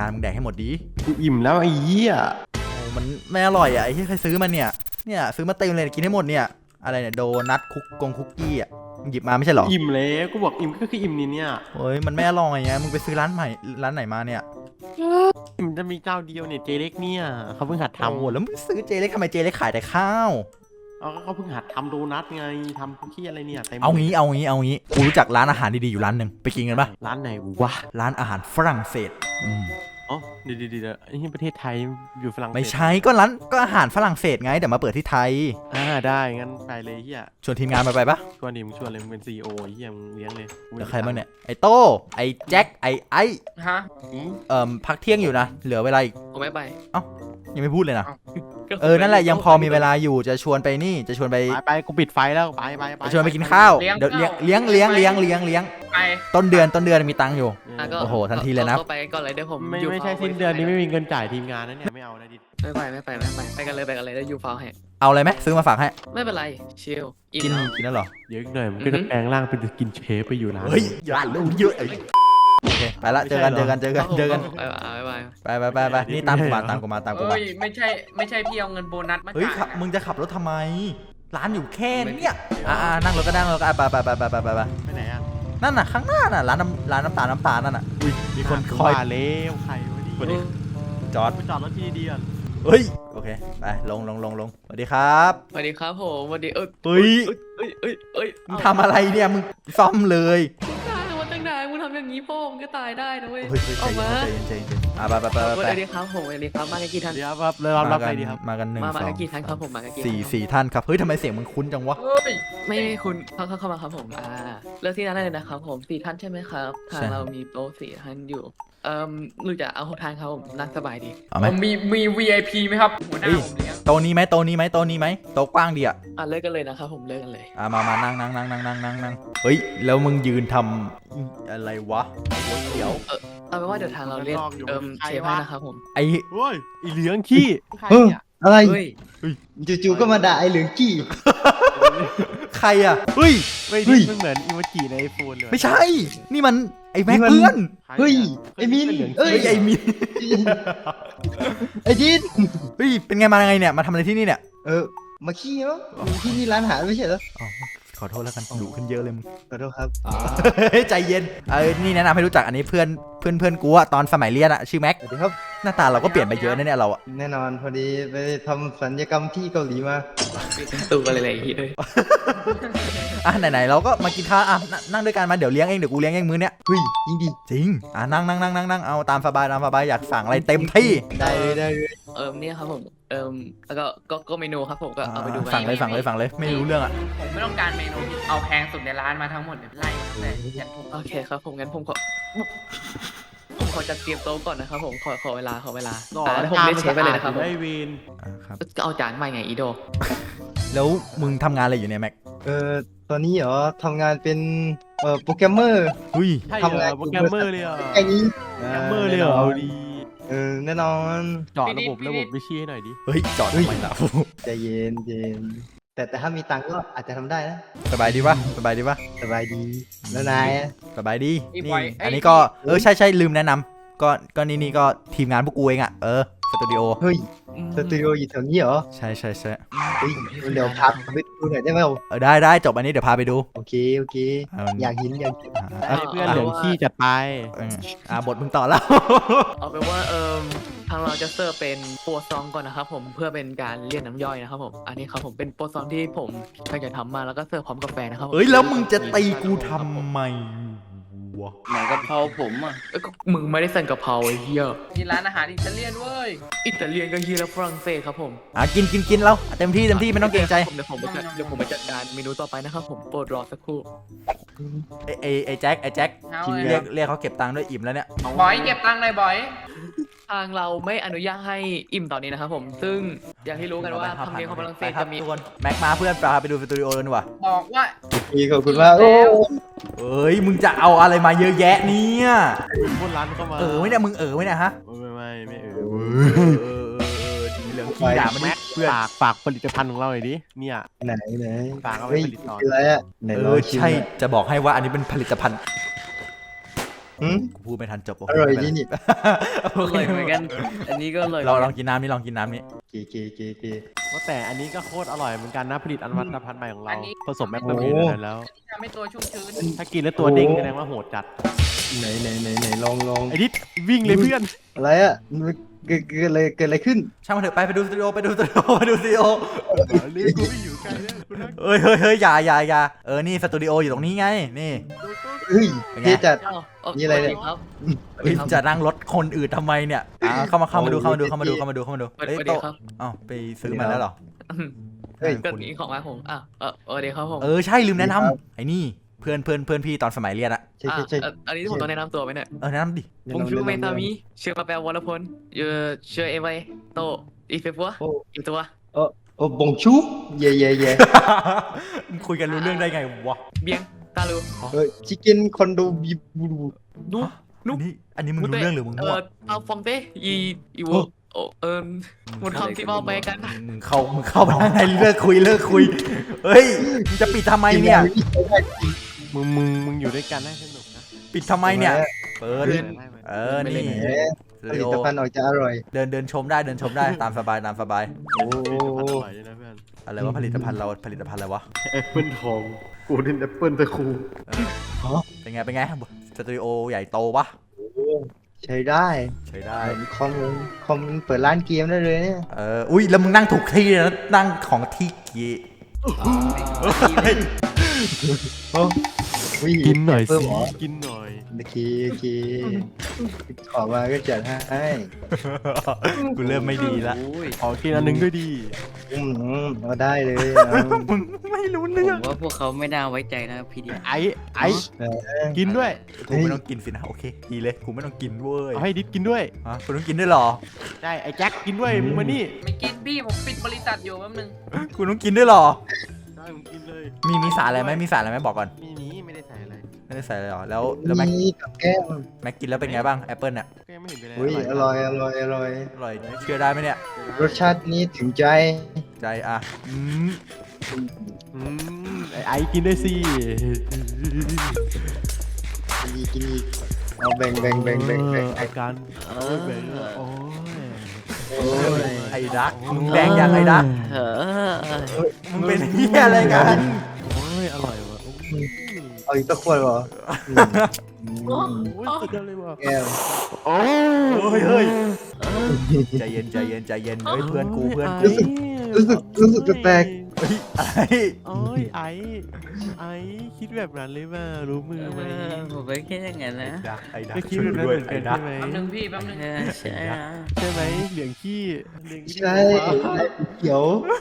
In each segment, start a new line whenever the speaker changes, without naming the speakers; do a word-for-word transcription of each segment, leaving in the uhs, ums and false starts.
านมึงแดกให้หมดดี
กูอิ่มแล้วไอ้เหี้ย
โอ้มันไม่อร่อยอ่ะไอ้ที่ใครซื้อมาเนี่ยเนี่ยซื้อมาเต็มเลยกินให้หมดเนี่ยอะไรเนี่ยโดนัทคุกกงคุกกี้อ่ะหยิบมาไม่ใช่หรอ
อิ่มแล้วกูบอกอิ่มก็คืออิ่มนี่เนี่ย
โอ้ยมันไม่อร่อยไงมึงไปซื้อร้านใหม่ร้านไหนมาเนี่ย
มันจะมีเจ้าเดียวเนี่ยเจเล็กเนี่ยเขาเพิ่งหัดทำ
โอ้แล้วมึงซื้อเจเล็กทำไมเจเล็กขายแต่ข้าว
เอาเขาเพิ่งหัดทำโดนัทไงทำคุกกี้อะไรเนี่ย
เอางี้เอางี้เอางี้กูรู้จักร้านอาหารดีๆอยู่ร้านหนึ่งไปกินกันปะ
ร้านไหนวะ
ร้านอาหารฝรั่งเศสอืม
อ๋อเดี๋ยวเดี๋ยวไอ้ที่ประเทศไทยอยู่ฝรั่งเศส
ไม่ใช่ก็ร้านก็อาหารฝรั่งเศสไงแต่มาเปิดที่ไทย
อ่าได้งั้นไปเลยเฮีย
ชวนทีมงานมาไปปะ
ชวนดิมึงชวนเลยมึงเป็นซีอีโอเฮียมึงเลี้ยงเลย
แล้วใครบ้างเนี่ยไอโต้ไอแจ็คไอไอ
ฮะ
เอ่อพักเที่ยงอยู่นะเหลือเวลาอีก
ผมไม่ไป
เอ้ายังไม่พูดเลยนะเออนั่นแหละยังพอมีเวลาอยู่จะชวนไปนี่จะชวนไป
ไปไปกูปิดไฟแล้วไปไปไป
จะชวนไปกินข้าวเดี๋ยวเลี้ยงเลี้ยงเลี้ยงเลี้ยงเลี้ยงเลี้ยง
ไป
ต้นเดือนต้นเดือนมีตังค์อยู่โอ้โหทันทีเลยนะ
ไปก่อนเลยเดี๋ยวผม
ไม่ไม่ใช่สิ้นเดือนนี้ไม่มีเงินจ่ายทีมงานนะเนี่ยไม่เอานะดิ
ไม่ไปไม่ไปไม่ไปไปกันเลยไปกันเลยแล้วยูฟาวให้
เอาอะไรไหมซื้อมาฝากให้
ไม่เป็นไรชิล
กินกินแล้วหรอ
เยอะหน่อยมันก็จะแปลงร่างเป็นกินเชฟไปอยู่ร้าน
เฮ้ยอย่าลูกเยอะโอเคไปละเจอกันเจอกันเจอกันเจอกัน
ไป
ไปไปไปไปนี่ตามกูมาตามกูมาตามกูมา
เฮ้ยไม่ใช่ไม่ใช่พี่เอาเงินโบนัสมาจ่าย
เฮ้ยมึงจะขับรถทำไมร้านอยู่แค่นี้อ่านั่งรถก็นั่งรถก็ไปไปไปไปไปไปไป
ไปไหนอ่ะ
นั่นน่ะข้างหน้าน่ะร้านน้ำร้านน้ำตาลน้ำตาลนั่นน่ะอุ้ยมีคนคอย
เลี้ยวใครวะดิ
จอด
ไปจอดรถที่ดีอ่ะ
เฮ้ยโอเคไปลงลงลงลงสวัสดีครับ
สวัสดีครับผมสวัสดีเอ้ย
เฮ้ย
เอ้ยเอ้ยเอ้ย
มึงทำอะไรเนี่ยมึงซ่อมเลย
ตั้งนานมึงทำอย่างนี้พ่อมึงก็ตายได้นะเว้ย
ออกมาใจเย็นใจเย็นอ่ะไปไปไปไป
สวัสดีครับผมสวัสดีครับมากันกี่ท่าน
เดี๋ยวครับเรารับไปดีครับ
มากันหนึ่งสอง
มากันกี่ท่านครับผมมากันกี่
สี่สี่ท่านครับเฮ้ยทำไมเสียงมึงคุ้นจังวะ
ไม่ไม่คุณเข้าเข้ามาครับผมอ่าเลือกที่นั่นได้เลยนะครับผมสี่ท่านใช่ไหมครับทางเรามีโต๊ะสี่ท่านอยู่เอ่อหรือจะเอาหกท่านครับผมนั่งสบายดี
ผม
มีมี วี ไอ พี ไหมครับหัวหน้าผมเลี้ยง
โต๊ะนี้ไหมโต๊ะนี้ไหมโต๊ะนี้ไหมโต๊ะกว้างดีอ่ะ
อ่ะเลิกกันเลยนะครับผมเลิกกันเลย
อ่ะมามานั่งนั่งนั่งนั่งนั่งนั่งนั่งเฮ้ยแล้วมึงยืนทำอะไรวะเดี๋ยว
เออเอาเป็นว่าเดี๋ยวทางเราเรียกเอิมเชฟให้นะครับผม
ไอ้
เฮ้ยไอ้เหลืองขี้
อะไรจู่ๆก็มาด่าไอ้เหลืองขี้
ใครอ่ะเฮ้ย
ไม่ดิมันเหมือนอีโมจิในไอโฟนเลย
ไม่ใช่นี่มันไอ้แม็กเพื่อน
เฮ้ยไอ้มิน
เฮ้ยไอ้มิน
ไอ้จิน
เฮ้ยเป็นไงมาไงเนี่ยมาทำอะไรที่นี่เนี่ย
เออมาขี้เนาะที่นี่ร้านอาหารไม่ใช่เหรอ
ขอโทษแล้วกันดุขึ้นเยอะเลยมึง
ขอโทษครับ
ใจเย็นเออนี่แนะนำให้รู้จักอันนี้เพื่อนเพื่อนเพื่อนกูอะตอนสมัยเรียนอะชื่อแม็ก
สวัสดีครับ
หน้าตาเราก็เปลี่ยนไปเยอะนะเนี่ยเราอะ
แน่นอนพอดีไปทำศัลยกรรมที่เกาหลีมา
ตัวอะไรอะไรอย่างงี้เลย
อ่ะไหนๆเราก็มากินข้าวอ่ะนั่งด้วยกันมาเดี๋ยวเลี้ยงเองเดี๋ยวกูเลี้ยงเองมื้อเนี้ย
เฮ้ยจริงดิ
จริงอ่ะนั่งนั่งนั่งนั่งนั่งเอาตามสบายตามสบายอยากสั่งอะไรเต็มที่
ได้เลยได้เลย
เออเนี่ยครับผมเออแล้วก็ก็ก็เมนูครับผมก็เอาไปดู
สั่งเลยสั่งเลยสั่งเลยไม่รู้เรื่องอ่ะ
ผมไม่ต้องการเมนูเอาแพงสุดในร้านมาทั้งหมดเลยไล่มาเลยโอเคครับผมงั้นผมขอผมขอจัดเตรียมโต๊ะก่อนนะครับผมขอขอเวลาขอเวลาแล้วผมเรียกเชฟไปเลยนะครับ
ไอวิน
ครับ
ก็เอาจานใหม่ไงอีโด
แล้วมึงทำงานอะไรอยู่เนี่ยแม็ก
เออตอนนี้เหรอทำงานเป็นเอ่อโปรแกรมเมอร์
อุ้ย
ทำงานโปรแกรมเมอร์เลยอ่ะ
ไอ้นี้
โปรแกรมเมอร์เลยเหรอเอาดี
เออแน่นอน
จอดระบบระบบวิชีให้หน่อยดิ
เฮ้ยจอดทำไมล่ะ
ใจเย็นเย็นแต่แต่ถ้ามีตังก็อาจจะทำได้นะ
สบายดีปะสบายดีปะ
สบายดีแล้วนาย
สบายดีนี่อันนี้ก็เออใช่ใช่ลืมแนะนำก็ก็นี่นี่ก็ทีมงานพวกกูเองอ่ะเออสตูดิโอ
เฮ้ยสตูดิโออยู่แถวนี้เหรอ
ใช่ใช่ใช่
เดี๋ยวพาไปดูหน่อยได้ไหม
เออได้ได้จบอันนี้เดี๋ยวพาไปดู
โอเคโอเคอยากเห็นอยากเห็น
เพื่อนเหลืองขี้จัดไป
อ่าบทมึงต่อแล้ว
เอาเป็นว่าเออทางเราจะเสิร์ฟเป็นโปรซองก่อนนะครับผมเพื่อเป็นการเรียกน้ำย่อยนะครับผมอันนี้ครับผมเป็นโปรซองที่ผมตั้งใจทำมาแล้วก็เสิร์ฟพร้อมกาแฟนะครับ
เฮ้ยแล้วมึงจะตีกูทำไม
ไหนกะเพราผมอ่ะมึงไม่ได้สั่งกะเพราไอ้เหี้ยที่ร้านอาหารอิตาเลียนเว้ยอิตาเลียนก็เฮียแล้วฝรั่งเศสครับผม
อ่ะกินกินกินแล้วเต็มที่เต็มที่ไม่ต้องเกรงใจ
เดี๋ยวผมเดี๋ยวผมไปจัดการเมนูต่อไปนะครับผมโปรดรอสักครู่
ไอไอไอแจ็คไอแจ็คเรียกเรียกเขาเก็บตังค์ด้วยอิ่มแล้วเนี่ย
บอยเก็บตังค์เลยบอยทางเราไม่อนุญาตให้อิ่มตอนนี้นะครับผมซึ่งอย่างที่รู้กันว่าทำเนียมของฝรั่งเศสจะมี
แม็กมาเพื่อนพาไปดูสตูดิโอเลยดีกว่า
บอกว่า
ดีขอบคุณมากโอ้
เอ้ยมึงจะเอาอะไรมาเยอะแยะเนี่ย
บนร้านเข้ามา
เออไม่ได้มึงเออไม่ได้ฮะ
ไม่ไม่ไม่เออ
เออทีเหลืองขี้ด่ามันนี่
เพื่อนฝากฝากผลิตภัณฑ์ของเราหน่อยดิเนี่ย
ไหนไหน
ฝากเอาไปผลิตต่อ
อะไรอ่ะ
เออใช่จะบอกให้ว่าอันนี้เป็นผลิตภัณฑ์
หืม
กูพูดไม่ทันจบโอ
อ
เค
ร่อย
ไม่เป็น
ดี
ไร
นี่
อร่อยเหมือนกัน อันนี้ก็อร่อย
เราลองกินน้ำนี่ลองกินน้ำนี่
เกเกเกเก
ว่าแต่อันนี้ก็โคตรอร่อยเหมือนกันนะผลิตอันวัตภัณฑ์ใหม่ของเรา
อันนี้
ผสมแมกกามีนอะไรแล้ว
ทำให้ตัวชุ่มชื้น
ถ้ากินแล้วตัวเด้งแสดงว่าโหดจัด
ไหนไหนไหนไหนลองลอง
ไอ้นิดวิ่งเลยเพื่อน
อะไรอ่ะมันเกิดเกิดอะไรเกิดอะไรขึ้น
ช่างมันเถอะไปไปดูสตูดิโอไปดูสตูดิโอไปดูสตูดิโอ
เรียกกูไม่อยู่ไกลแล้วกูนั่ง
เอ้ยเฮ้ยเฮ้ยอย่าอย่าอย่าเออนี่สตูดิโออยู่ตรงนี้ไงนี่
เฮ้ย
เป็นไง
เท่จัด
อ้าว
มีอะไรเนี่ย
ครับ
เฮ้ยจะนั่งรถคนอื่นทำไมเนี่ยอ่าเข้ามาเข้ามาดูเข้ามาดูเข้ามาดูเข้ามาดูเข้ามาดู
สวัส
เฮ้ย
ดี
โต๊ะ
ครับ
อ้าวไปซื้อมาแล้วเหรอ
เฮ้ย
ก็นี้ของมาผมอ่ะเออเออเดี๋ยวครับผม
เออใช่ลืมแนะน
ครับ
ำไอ้นี่เพื่อนเพื่อนเพื่อนพี่ตอนสมัยเรียนอะ
ใช่
อ่ะ
ใช่ใช่
เอ่ออันนี้ผมต้องแนะนำตัวไหมเนี่ย
เออแนะนำดิ
ผมชื่อเมตามิชื่อมาแปลวรพลเยอชื่อเอไวโตอีเฟปัว
โอ้
อีตัว
โอ้โอ้บงชูเย่เย่เย่
มึงคุยกันรู้เรื่องได้ไงวะ
เบียงตาลู
เฮ้ยชิคเก้นคอนโดบิบู
นุ นุ๊
อันนี้อันนี้มึงรู้เรื่องหรือมึง
เอ
มั่ว
อเอาฟองเต้อีอีวโอเอิมมุนคำที่มาไปกัน
มึงเข้ามึงเข้ามาข้างในเลิกคุยเลิกคุยเฮ้ยมึงจะปิดทำไมเนี่ย
มึงมึงมึงอยู่ด้วยกันได้สนุกนะ
ปิดทำไมเนี่ยเปิด
ได้ไหม
เออนี่
แหมผลิตภัณฑ์ออกจะอร่อย
เดินเดินชมได้เดินชมได้ตามสบายตามสบาย
โอ้
อร่อยด้วยนะเพื่อน
อะไรวะผลิตภัณฑ์เราผลิตภัณฑ์อะไรวะ
แอปเปิลทองกูเล่นแอปเปิลตะคู
เป็นไงเป็นไงสตูดิโอใหญ่โตปะ
ใช้ได้
ใช้ได้
คอมคอมเปิดร้านเกมได้เลยเนี่ย
เอออุ้ยแล้วมึงนั่งถูกที่เลยนะนั่งของที่กี
โอ้วิ
กินหน่อย
เพิ่
สิ
มเหรอ
กินหน่อย
โอเคโอเคขอมาก็จัดให้
กูเริ่มไม่ดีละ
ขอกินอันหนึงด้วยดี
อืมเอาได้เลยเอา
มึงไม่รู้
ผ
เรื่อง
มว่าพวกเขาไม่น่าไว้ใจนะพี่เดีย
ไอ้ไอ้กินด้วย
กูไม่ต้องกินสินะโอเคดีเลยกูไม่ต้องกินเว้ย
เอาให้ดิดกินด้วย
ฮะกูต้องกินด้วยเหรอ
ได้ไอ้แจ็คกินด้วยมึงมานี่
ไม่กินพี่ผมปิดบริษัทอยู่แป๊บนึง
กูต้องกินด้วยเหรอ
ได้มึงกินเลย
มีมีสารอะไรไหมมีสารอะไรไหมบอกก่อน
มีนี้ไม่ได้ใส่อะไร
ไม่ได้ใส่เลยเหรอแล้วแล้วแม็ก
นี่กับแก้ม
แม็กกินแล้วเป็นไงบ้างแอปเปิลเนี่ย
ก็ยังไม่เห็นเป็นไร
อุ้ยอร่อยอร่อยอร่อย
อร่อยเชื่อได้ไหมเนี่ย
รสชาตินี้ถึงใจ
ใจอ่ะอืม
อืมไอ้ไอ้กินด้วยสิ
กินอีกกินอีกเอาแบ่งแบ่งแบ่งแบ่งแบ่ง
อาการโอ้ยแบ่งโอ้ย
โอ้ย
ไอ้ดักมึงแดงยังไงดัก
เออ
มึงเป็นเหี้ยอะไรกัน
โอ้ยอร่อยว่ะ
เอาอีกตะขวดเหรออืมอืม
โอ้ยสุดยอดเลยว่ะ
แก้ว
โอ้ย
เฮ้ยเฮ้ยใจเย็นใจเย็นใจเย็นเฮ้ยเพื่อนกูเพื่อนกู
รู้สึกรู้สึกรู้สึกแปลก
เฮ้ยอะไร
โอ้ยไอ้ไอ้คิดแบบนั้นเลยว่ารู้มือไหม
ผมไม่คิดอย่างนั้นนะ
ดักไอ้ดัก
ก็คิด
ช่วย
แบบ
กู
นั้น
ด้วย
เหมือน
ไอ้
กัน
ดัก
ใช่ไหม
แป๊บนึงพี่แป๊บนึง
เออใช่นะ
ใช่ไหมเหลืองขี้เหลืองขี้
ใช่นายเขียว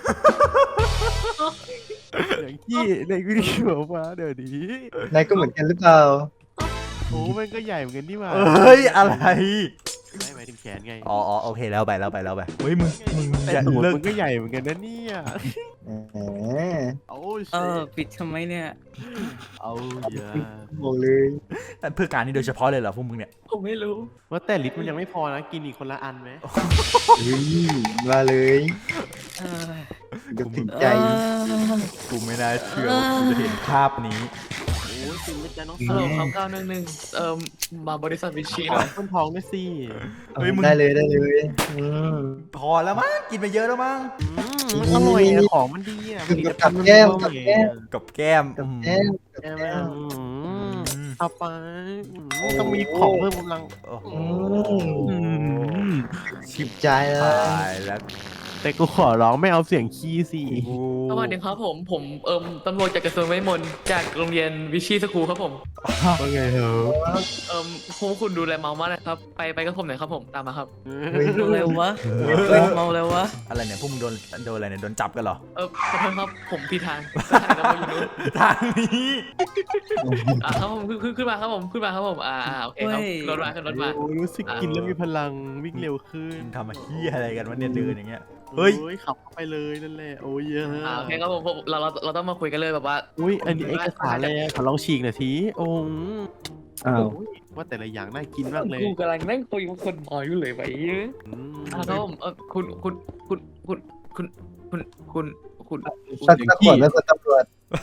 เหลืองขี้เหลืองขี้หัวฟ้าเดี๋ยวนี้
นายก็เหมือนกันหรือเปล่า
โอ้มันก็ใหญ่เหมือนกันนี่หว่า
เฮ้ยอะไร
ไม่หมายถึงแขนไง
อ๋ออ๋อโอเคแล้วไปแล้วไปแล้วไปเฮ้ยมึงมึง
แต่
อย่า
ตูด
เลิก
มันก็ใหญ่เหมือนกันนะเนี่ย
แหม
โอ้ย
เออปิดทำไมเนี่ย
เอาอย่า
บอกเลย
เพื่อการนี้โดยเฉพาะเลยเหรอพวกมึงเนี่ย
ผมไม่รู้
ว่าแต่ลิตรมันยังไม่พอนะกินอีกคนละอันไหม
เฮ้ยมาเลย
เออ
เดี๋ยวถึงใจ
กูไม่น่าเชื่อว่ากูจะเห็นภาพนี้
โอ้ยกินไม่ใจน้อง
ฮัล
สา
โหล
ว
ครับเก้าหนึ่งหนึ่งเอ่อมาบริษัทวิชี
ข
ห
อ
น่อย
คนทองด้วยสิ
เฮ้ยมึง
ได้เลยได้เลยอืม
พอแล้วมั้งกินไปเยอะแล้วมั้ง
อืมมันอร่อยอะของมันดีอะ
กับกับแก้มกับแก้ม
กับแก้ม
กับ
อืม
แก้มกับ
ใช่ไหม
แก้ม
อืมเอาไปอืมต้องมีของเพิ่มกำลัง
โอ้โห
อืม ชิบใจแล้
ตาว ยแล้ว
แต่กูขอร้องไม่เอาเสียงขี้สิ
กู
สวัสดีครับผมผมเอ่มตำรวจจากกระทรวงเวทมนต์จากโรงเรียนวิชีสคูลครับผม
ว่าไงเหรอ
เอ่มพวกคุณดูแลเมามากนะครับไปไปกับผมหน่อยครับผมตามมาครับ
เฮ้ย
เร็ววะเมาเร็ววะ
อะไรเนี่ยพวกมึงโดนโดนอะไรเนี่ยโดนจับกันเหรอ
เออขอโทษครับผมผิดทางสถานีตำรวจอยู่นู้น
ทางนี้
อ่าครับผมขึ้นขึ้นขึ้นมาครับผมขึ้นมาครับผมอ่าอ่าโอเคครับรถมาขึ้นรถมา
โอ้ยรู้สึกกินแล้วมีพลังวิ่งเร็วขึ้น
มึงทำมาขี้ยอะไรกันวะเนี่ยเดินอย่างเงี้ย เฮ้ย
โอ้ยขับเข้าไปเลยนั่นแหละโอ้ยเยอะ
อ่าโอเคครับผมผมเราเราเราต้องมาคุยกันเลยแบบว่า
อุ้ยอันนี้เอกสารเลยขอลองฉีกหน่อยทีโอ้ย
อ้าว
โอ้ยว่าแต่ละอย่างน่ากินมากเลย
กูกำลังนั่งคุยกับคนน้อยอยู่เลยไปเยอะ
อืม
อ่าครับผมเออคุณคุณคุณคุณคุณคุณคุณคุณ
สักสักขวดแล้วคุณตำรวจ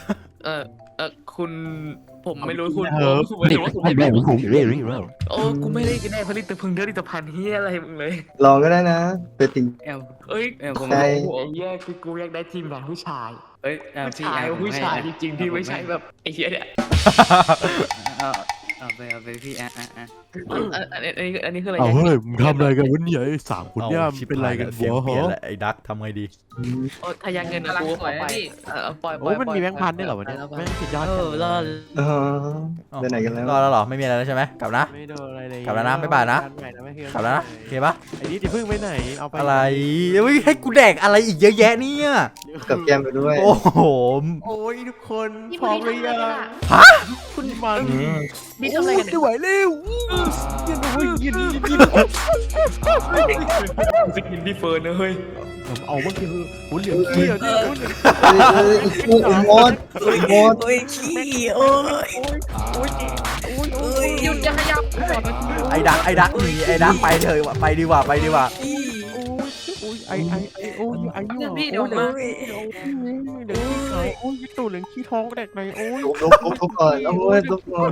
เออเออคุณผมไม่รู้คุณ
เออ
คุณไม่รู้ว่าคุณไม่รู้โอ้กูไม่ได้กินแน่ผลิตภัณฑ์ผลิตภัณฑ์เฮียอะไรมึงเลย
ลองก็ได้นะเป็นติ่ง
แอม
เอ้ย
เออผม
ใช่
โอ้โหแย่คือกูอยากได้ทีมงานผู้ชาย
เอ้ยเอา
ผู้
พี่
ชาย
แอม
ผู้ชาย
ให้
จริงๆที่ไม่ใช่แบบไอ้เฮียเนี่ย
เอาเอาไปเอาไปพี่อ่ะอ่ะอ่ะ
อันอันอันนี้อันนี้คืออะไร
เอา
นี่
เฮ้ยมึงทำอะไรกันวะเนี่ยไอ้สามคน
เอา
เนี่ย
ชิบ
เป็นไร
หาย
กัน
เสียง
วะ
เปลี่ยน
ฮะ
แหละไอ้ดักทำไงดี
โอ้ทายังเงินนะกูเอาไปเออเอาปล่อยปล่
โอ้
อย
มันมีแบงค์พันได้วยเหรอวะเนี่ย
ปล่
แม่
อย
งสุดยอด
เอ
จัง
อรอด
เออไปไหนกันแล้ว
รอแล้วเหรอไม่มีอะไรแล้วใช่ไหมกลับนะ
ไม่โดนอะไรเลย
กลับแล้วนะบ๊ายบายนะ
ใหม่ไม่เคย
กลับแล้วนะโอเคปะ
ไอ้นี่จะพึ่งไปไหนเอาไป
อะไรเฮ้ยให้กูแดกอะไรอีกเยอะแยะเนี่ย
กับแก้มไปด้วย
โอ้โห
โอ้ยทุกคนพร้อมหรือยัง
ฮะ
คุณมัน
นี่ทำอะไรกัน
ไม่ไหวเร็วยินโอ้ยยินยินยิน
สกินพี่เฟิร์นนะเฮ้ย
ผมเอาเมื่อกี้คือหุ่นเหลืองเขี้ยวนี่หุ่นเหลือง
เอ้ยเอ้ยโอ้ยมดโอ้ยมด
โอ้ยขี้โอ้ย
โอ้ยโอ้ยโอ้ย
หยุดอย่าขยับ
ไอ้ดักไอ้ดักหนีไอ้ดักไปเถอะไปดีกว่าไปดีกว่า
ขี้
โอ้ยโอ้ยไอไอไอโอ้ยไอนี่หว่า
พี่เดี๋ยว
โอ้
มา
เหลืองขี้ขาวโอ้ยตู่เหลืองขี้ท้องแดกในโอ้ย
ลุกลุกลุกลุกก่อนเอาเว้ยลุกก่อน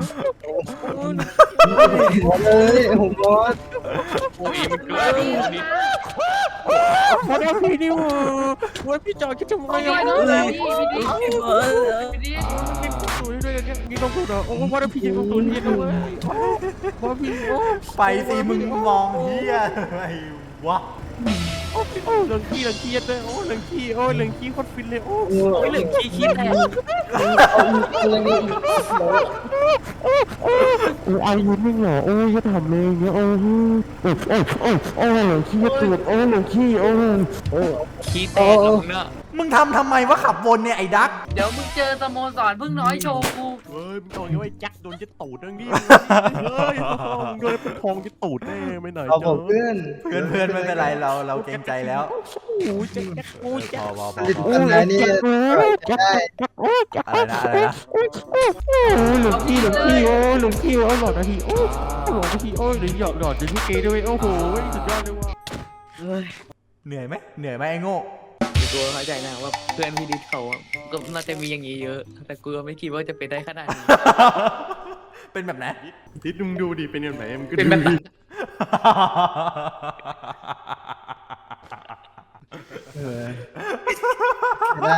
มดเลยผมมด
โอ้ยมันเกินนี่
พอแล้วพี่นี่หว่าว่าพี่จอคิดทำไม
พี่
อ่ะ
น้อง
โอ้ย
พี่พี่พี่พี่
นี่ตู่นี่ด้วยกันนี่ต้องพูดเหรอโอ้ว่าพี่ยังต้องตู่นี่ด้วยว่าพี่โอ้
ไปสิมึงมองเฮียอะไรวะ
โอ้โอ้เหลืองขี้เหลืองขี้เลยโอ้เหลืองขี้โอ้เหลืองขี้โคตรฟินเลยโอ้
โอ้
โอ้ย
ย
เหลืองขี้ขี้แตก
อะไรนี่
โอ้อายุไม่เหรอโอ้ยจะทำเลยเนี่ยโอ้โอ้โอ้โอ้โอ้เหลืองขี้ตูดโอ้เหลืองขี้โอ้โอ้
ขี้แตกแล้วมึงเนอะ
มึงทำทำไมวะขับวนเนี่ยไอ้ดัก
เดี๋ยวมึงเจอสโมสรพึ่งน้อยโชว์กู
เฮ้ยมึงต้องอย่างว่าแจ็คโดนจะตูดนั่งดิเฮ้ยมึงโดนเป็นทองจะตูดแน่ไม่ไหน
เอาผมเพื่อน
เพื่อนเพื่อนไม่เป็นไรเราเราเกรงใจแล้ว
โอ้ยแจ็คแจ็คโอ้ย
พ
แจ็ค
อพอพอ
ผลิต
พอ
ภัณฑ์ไหนนี่
แจ็ค
ได้
แจ็คโอ้ยแจ็ค
อะไรนะอะไรนะ
โอ้ยโอ้ยโอ้ยหลงขี้หลงขี้โอ้ยหลงขี้โอ้ยหลอดนาทีโอ้ยหลอดนาทีโอ้ยหรือหยอดหลอดจะที่เกย์ด้วยโอ้โหสุดยอดเลยว่ะ
เฮ้ย
เหนื่อยไหมเหนื่อยไหมไอ้โง่
ตัวเข้าใจนะว่าเพื่อนพี่ดิสเขาอะก็น่าจะมีอย่างนี้เยอะ แต่กูก็ไม่คิดว่าจะเป็นได้ขนาดนี้
เป็นแบบไหน
ทิศมึงดูดิเป็นยังไงมันก็
เป็นแบบนั้น
เออได้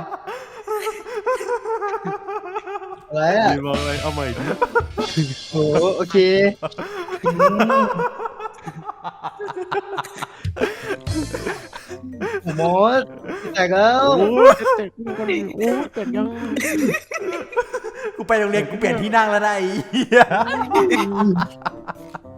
อะไรอ่ะ
ดีมากเลยเอาใหม่ดิ
โอ้โอเคอืมผมมดแตกแล้ว
โอ้ยจะเตะกูกันโอ้ยเตะยัง
กูไปโรงเรียนกูเปลี่ยนที่นั่งแล้วนะไอ้เหี้ย